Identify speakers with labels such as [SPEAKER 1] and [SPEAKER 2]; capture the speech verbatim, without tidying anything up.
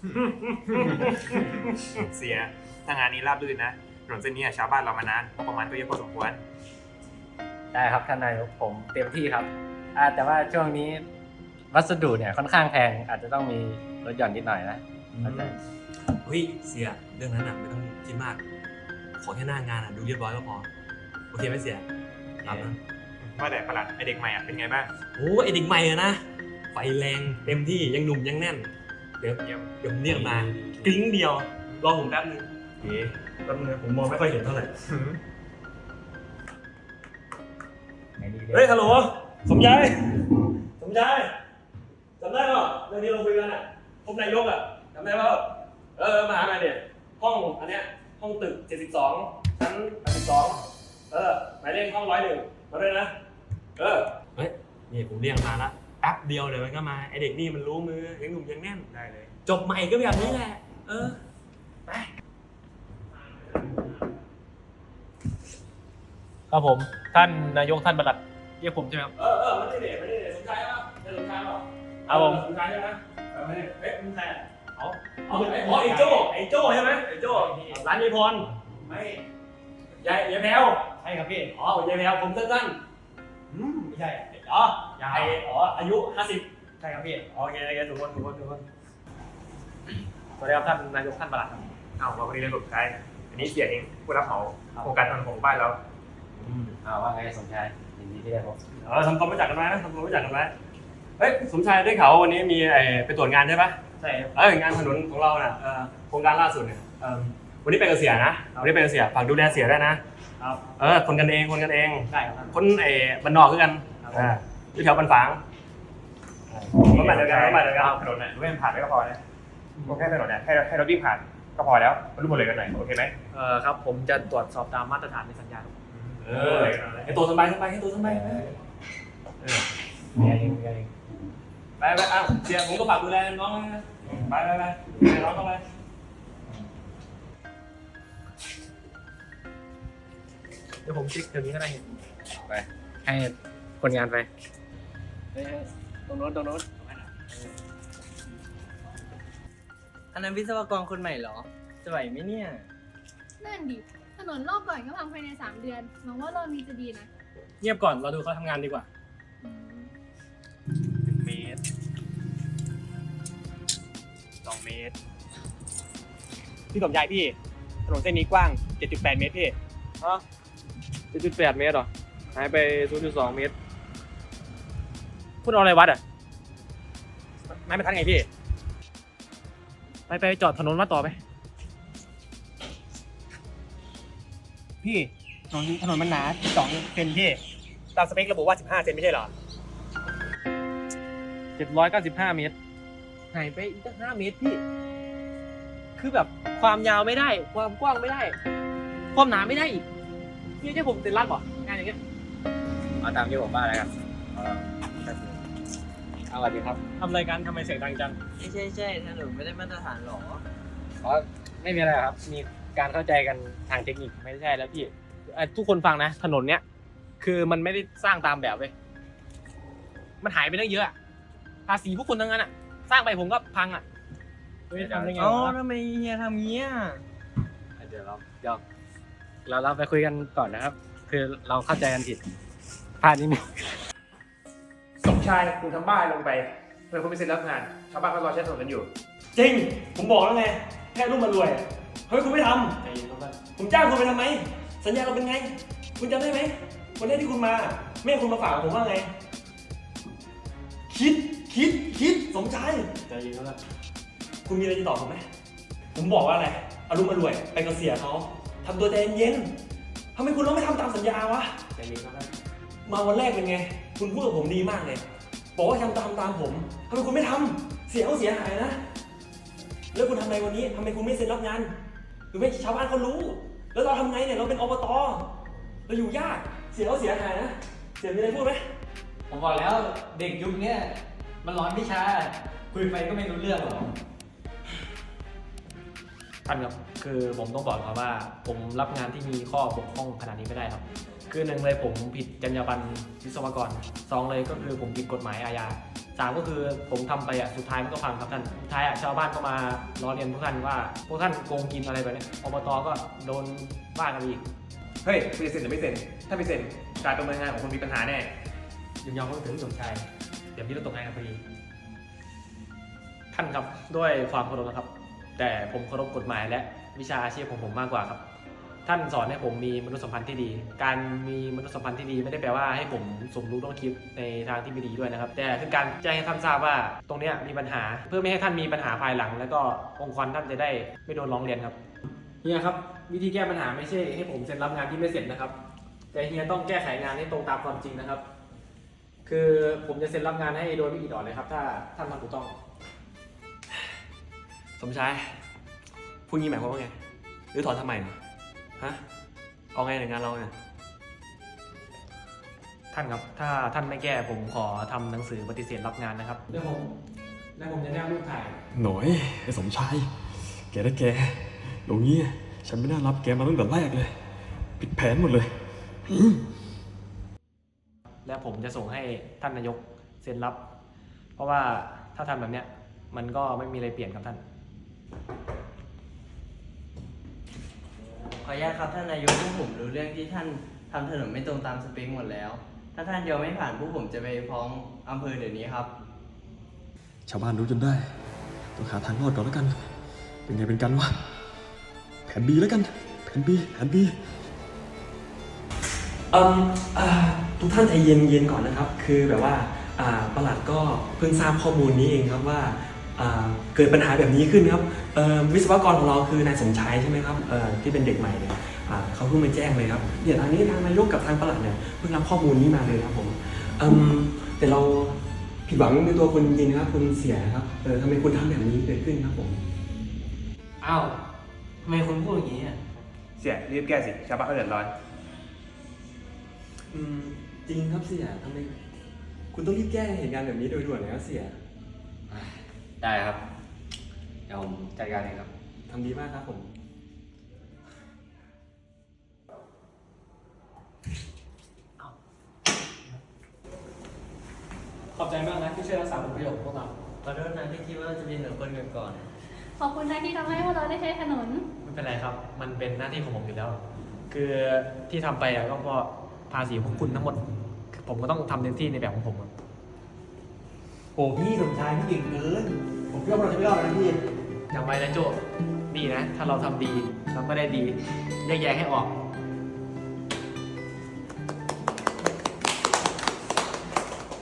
[SPEAKER 1] เสียถ้างานนี้ราบรื่นนะถนนเส้นนี้ชาวบ้านเรามานานงบประมาณก็เยอะพอสมควร
[SPEAKER 2] ได้ครับท่านนายกผมเต็มที่ครับอ่าแต่ว่าช่วงนี้วัสดุเนี่ยค่อนข้างแพงอาจจะต้องมีลดหย่อนนิดหน่อยนะเข้าใจ
[SPEAKER 3] เฮ้ยเสียเรื่องนั้นอ่ะไม่ต้องคิดมากขอแค่หน้างานอ่ะดูเรียบร้อยก็พอโอเคไหมเสียตามนั้น
[SPEAKER 1] ว่าแต่ประหลัดไอเด็กใหม่อ่ะเป็นไงบ้าง
[SPEAKER 3] โอ้ไอเด็กใหม่อะนะไฟแรงเต็มที่ยังหนุ่มยังแน่นเดี๋ยว
[SPEAKER 1] เยี่ยม
[SPEAKER 3] เดี๋ยวผมเรียกมากริ้งเดียวรอผมแป๊บนึงเอ๊ะแป๊บนึงนะผมมองไม่ค่อยเห็นเท่าไหร่ เฮ้ยฮัลโหลสมชายสมชายจำได้ป่ะเรื่องนี้เราคุยกันอ่ะพบนายกอ่ะจำได้ป่ะเออมาหาหน่อยเนี่ยห้องอันเนี้ยห้องตึกเจ็ดสิบสองชั้นแปดสิบสองเออหมายเลขห้องร้อยหนึ่งมาด้วยนะเออเฮ้ยนี่ผมเรียกมาละแป๊บเดียวเดี๋ยวมันก็มาไอเด็กนี่มันรู้มือยังหนุ่มยังแน่น
[SPEAKER 1] ได้เลย
[SPEAKER 3] จบใหม่ก็แบบนี้แหละเออไป
[SPEAKER 4] ครับผมท่านนายกท่านประหลัดเรียกผมใช่ไหมครับ
[SPEAKER 3] เออเออไม่ได้เด็กไม่ได้เด็กสมชายป่ะเด็กสมชายป่ะ
[SPEAKER 4] ครับผม
[SPEAKER 3] สมชายใช่ไหมเออไม่ได้เฮ้ยมึงใคร
[SPEAKER 4] เอา
[SPEAKER 3] อ๋อไอ้อ๋อไอ้โจ้ไอ้โจ้ใช่ไหมไอ้โจ้ร้านยายพรไม่ยายยายแพรว
[SPEAKER 4] ใช่ครับพี่
[SPEAKER 3] อ๋อยายแพรวผมสั้นๆอืมไม่ใช่อ๋อ
[SPEAKER 4] ยาว
[SPEAKER 3] ไอ้อ๋ออายุห้าสิบ
[SPEAKER 4] ใช่ครับพี่
[SPEAKER 3] โอเคโอเคถูกคนถูกคนถูกคน
[SPEAKER 4] สวัสดีครับท่านนายกท่านประหลัดครับ
[SPEAKER 1] เอามาวันนี้เลยสุดท้ายอันนี้เสียเองผู้รับเหมาโครงการถนนของบ้านเรา
[SPEAKER 3] อืม
[SPEAKER 2] อ่าว่าไงสมชายยินดีที่ได้พบ
[SPEAKER 3] เออทำความรู้จักกันไหมทำความรู้จักกันไหมเฮ้ยสมชายได้ข่าวว่าวันนี้มีไอ้ไปตรวจงานใช่ปะ
[SPEAKER 4] ใช่ครับ
[SPEAKER 3] เอองานถนนของเราน่ะเออโครงการล่าสุดเนี่ยเออวันนี้เป็นเกษียณนะวันนี้เป็นเกษียณฝากดูแลเสียด้วยนะครับ เออคนกันเองคนกันเอง
[SPEAKER 4] ได้ครับท่าน
[SPEAKER 3] คนไอ้บ้านนอกคือกัน
[SPEAKER 4] ครับ
[SPEAKER 3] อ่าอยู่แถวบ้านฝางรถใหม่เดียวกันรถใหม่เดียวกัน
[SPEAKER 1] ถนนเนี่ยรู้ให้มันผ่านได้ก็พอนะแค่ถนนเนี่ยให้ให้รถวิ่งผ่านก็พอแล้วมารู้หมดเลยกันหน่อยโอเคไหม
[SPEAKER 4] เอ่อครับผมจะตรวจสอบตามมาตรฐานในสัญญาครับ
[SPEAKER 3] เออให้ตัวสบายสบายให้ตัวสบายเออ
[SPEAKER 2] เมียเองเมียเอง
[SPEAKER 3] ไปไปอ้าวเสียผมก็ฝากดูแลน้องนะไปไปไปดูแลน้องเข้าไป
[SPEAKER 4] เดี๋ยวผมเช็คเดี๋ยวนี้ก็ได้เห็น
[SPEAKER 2] ไปให้คนงานไป
[SPEAKER 4] เฮ้ยตรงโน้นตรงโน้น
[SPEAKER 5] อันนั้นวิศวกรคนใหม่เหรอ จะไหวไหมเนี่ย
[SPEAKER 6] นั่นดิ ถนนรอบก่อนก็พังภายในสามเดือนหวังว่ารอบนี้จะดีนะ
[SPEAKER 4] เงียบก่อนเราดูเขาทำงานดีกว่า
[SPEAKER 1] หนึ่งเมตรสองเมตร
[SPEAKER 4] พี่สมชายพี่ถนนเส้นนี้กว้าง เจ็ดจุดแปด เมตรพี่ฮะ เจ็ดจุดแปด เมตรเหรอหายไป ศูนย์จุดสอง เมตรพูดเอาอะไรวัดอ่ะไม่ไม่ทันไงพี่ ไปไปจอดถนนมาต่อไป พี่ถนนถนนมันหนาสองเซนพี่ ตามสเปคระบุว่าสิบห้าเซนไม่ใช่เหรอเจ็ดร้อยเก้าสิบห้าเมตรหายไปอีกตั้งห้าเมตรพี่ คือแบบความยาวไม่ได้ ความกว้างไม่ได้ ความหนาไม่ได้อีกพี่ให้ผมเซ็นรับเหรองานอย่างเงี้ย
[SPEAKER 2] เอาตามที่ผมว่าแล้วกันเออเอาสวัสดีครับ
[SPEAKER 4] ทำรายการทำไมเสียงดังจัง
[SPEAKER 5] ใช่ใช่ใช่ถนนไม่ได้มาตรฐานหรอ
[SPEAKER 2] อ๋อไม่มีอะไรครับ มีการเข้าใจกันทางเทคนิค
[SPEAKER 4] ไม่ใช่แล้วพี่เอ่อทุกคนฟังนะ ถนนเนี้ยคือมันไม่ได้สร้างตามแบบเว้ยมันหายไปตั้งเยอะอะภาษีพวกคุณทั้งนั้นอะสร้างไปผมก็พังอะเฮ้ยทำได้ไง
[SPEAKER 5] เอ้าว
[SPEAKER 4] ะ
[SPEAKER 5] ทำไมเฮียทำเงี้ย
[SPEAKER 2] เดี๋ยวเราเดี๋ยวเราเราไปคุยกันก่อนนะครับ คือเราเข้าใจกันผิดพลาดนิดนึง
[SPEAKER 1] สมชายคุณทำบ้าลงไปเพื่อคุณไม่เซ็นรับงานชาวบ้านก็รอใช้ถนนกันอยู่
[SPEAKER 3] จริงผมบอกแล้วไงแค่ลูกมารวยเฮ้ยคุณไม่ท
[SPEAKER 4] ใจเย็นครับท่าน
[SPEAKER 3] ำผมจ้างคุณไปทำไม สัญญาเราเป็นไง คุณจำได้ไหมวันแรกที่คุณมาแม่คุณมาฝากผมว่าไง คิดคิดคิดสมชาย
[SPEAKER 4] ใจเย็นครับท่าน
[SPEAKER 3] คุณมีอะไรจะตอบผมไหมผมบอกว่าอะไรเอาลูกมารวยไปกับเสียเขาทำตัวใจเย็นๆทำไมคุณต้องไม่ทำตามสัญญาวะ
[SPEAKER 4] ใจเย็นครับท่าน
[SPEAKER 3] มาวันแรกเป็นไง คุณพูดกับผมดีมากเลย บอกว่าทำตามตามผมทำไมคุณไม่ทำเสียเขาเสียหายนะ แล้วคุณทำไงวันนี้ทำไมคุณไม่เซ็นรับงานหรือไม่ชาวบ้านเขารู้ แล้วเราทำไงเนี่ยเราเป็นอบตเราอยู่ยากเสียเขาเสียหายนะ เสียมีอะไรพูดไหม
[SPEAKER 2] ผมบอกแล้วเด็กยุคนี้มันร้อนวิชาคุยไปก็ไม่รู้เรื่องหรอก
[SPEAKER 4] ท่านครับคือผมต้องบอกครับว่า ผมรับงานที่มีข้อบกพร่องขนาดนี้ไม่ได้ครับ คือหนึ่งเลยผมผิดจรรยาบรรณวิศวกรสองเลยก็คือผมผิดกฎหมายอาญา
[SPEAKER 2] สามก็คือผมทำไปอ่ะสุดท้ายมันก็พังครับท่านสุดท้ายอ่ะชาวบ้านก็มาล้อเลียนพวกท่านว่าพวกท่านโกงกินอะไรแบบเนี้ยอบตก็โดนว่ากันอีก
[SPEAKER 1] เฮ้ยคุณจะเซ็นหรือไม่เซ็นถ้าไม่เซ็นการดำเนินงานของคุณมีปัญหาแน่
[SPEAKER 2] ยินยอมก็ถึงสมชายเดี๋ยวพี่ต้องตกงานกันพอดีท่านครับด้วยความเคารพนะครับ แต่ผมเคารพกฎหมายและวิชาอาชีพของผมมากกว่าครับ ท่านสอนให้ผมมีมนุษยสัมพันธ์ที่ดี การมีมนุษยสัมพันธ์ที่ดีไม่ได้แปลว่าให้ผมสมรู้ร่วมคิดในทางที่ไม่ดีด้วยนะครับ แต่คือการแจ้งให้ท่านทราบว่าตรงเนี้ยมีปัญหาเพื่อไม่ให้ท่านมีปัญหาภายหลัง แล้วก็องค์กรท่านจะได้ไม่โดนร้องเรียนครับเฮียครับวิธีแก้ปัญหาไม่ใช่ให้ผมเซ็นรับงานที่ไม่เสร็จนะครับ แต่เฮียต้องแก้ไขงานให้ตรงตามความจริงนะครับ คือผมจะเซ็นรับงานให้โดยไม่อิดออดเลยครับถ้าท่านทำถูกต้อง
[SPEAKER 3] สมชายพูดงี้หมายความว่าไงหรือถอนทำไมฮะเอาไงในงานเราเนี่ย
[SPEAKER 2] ท่านครับถ้าท่านไม่แก้ผมขอทำหนังสือปฏิเสธรับงานนะครับเดี๋ยวผมแล้วผมจะแนบรูปถ่าย
[SPEAKER 7] หน่อยไอ้สมชายแกนะแกอย่างนี้ฉันไม่น่ารับแกมาตั้งแต่แรกเลยผิดแผนหมดเลย
[SPEAKER 2] และผมจะส่งให้ท่านนายกเซ็นรับ เพราะว่าถ้าทำแบบเนี้ยมันก็ไม่มีอะไรเปลี่ยนครับท่าน
[SPEAKER 5] ขออนุญาตครับท่านนายกพวกผมรู้เรื่องที่ท่านทำถนนไม่ตรงตามสเปคหมดแล้ว ถ้าท่านยอมไม่ผ่านพวกผมจะไปฟ้องอำเภอเดี๋ยวนี้ครับ
[SPEAKER 7] ชาวบ้านรู้จนได้ต้องหาทางรอดก่อนแล้วกัน เป็นไงเป็นกันวะแผนบีแล้วกันแผนบีแผนบี
[SPEAKER 3] เอ่มอ่าทุกท่านใจเย็นเย็นก่อนนะครับ คือแบบว่าอ่าประหลัดก็เพิ่งทราบข้อมูลนี้เองครับว่าอ่าเกิดปัญหาแบบนี้ขึ้นครับเอ่อวิศวกรของเราคือนายสมชายใช่ไหมครับเอ่อที่เป็นเด็กใหม่เนี่ยอ่าเขาเพิ่งมาแจ้งเลยครับเดี๋ยวทางนี้ทางนายกกับทางประหลัดเนี่ยเพิ่งรับข้อมูลนี้มาเลยครับผมเอ่มแต่เราผิดหวังในตัวคุณจริงๆนะครับคุณเสียครับเออทำไมคุณทำแบบนี้เกิดขึ้นครับผม
[SPEAKER 5] อ้าวทำไมคุณพูดอย่างนี้อ่ะ
[SPEAKER 1] เสียรีบแก้สิชาวบ้านเขาเดือดร้อน
[SPEAKER 3] อืมจริงครับเสียทำไมคุณต้องรีบแก้เหตุการณ์แบบนี้โดยด่วนเลยครับเสีย
[SPEAKER 2] ได้ครับเดี๋ยวผมจัดการเองครับ
[SPEAKER 3] ทำดีมากครับผม
[SPEAKER 2] ขอบใจมากนะที่ช่วยรักษาผลประโยชน์ของพวกเรา
[SPEAKER 5] ขอโทษนะที่คิดว่าจะเป็นเหนือคนอื่นก่อน
[SPEAKER 6] ขอบคุณนะที่ทำให้พวกเราได้ใช้ถนน
[SPEAKER 2] ไม่เป็นไรครับ มันเป็นหน้าที่ของผมอยู่แล้ว คือที่ทำไปอะก็เพราะภาษีพวกคุณทั้งหมดคือผมก็ต้องทำเต็มที่ในแบบของผมอะ
[SPEAKER 1] โอ้พี่สมชายพี่เก่งเกินผมคิดว่าเราจะไม่รอดนะพี่
[SPEAKER 2] จำไว้นะโจนี่นะ ถ้าเราทำดีเราก็ได้ดีแยกแยะให้ออก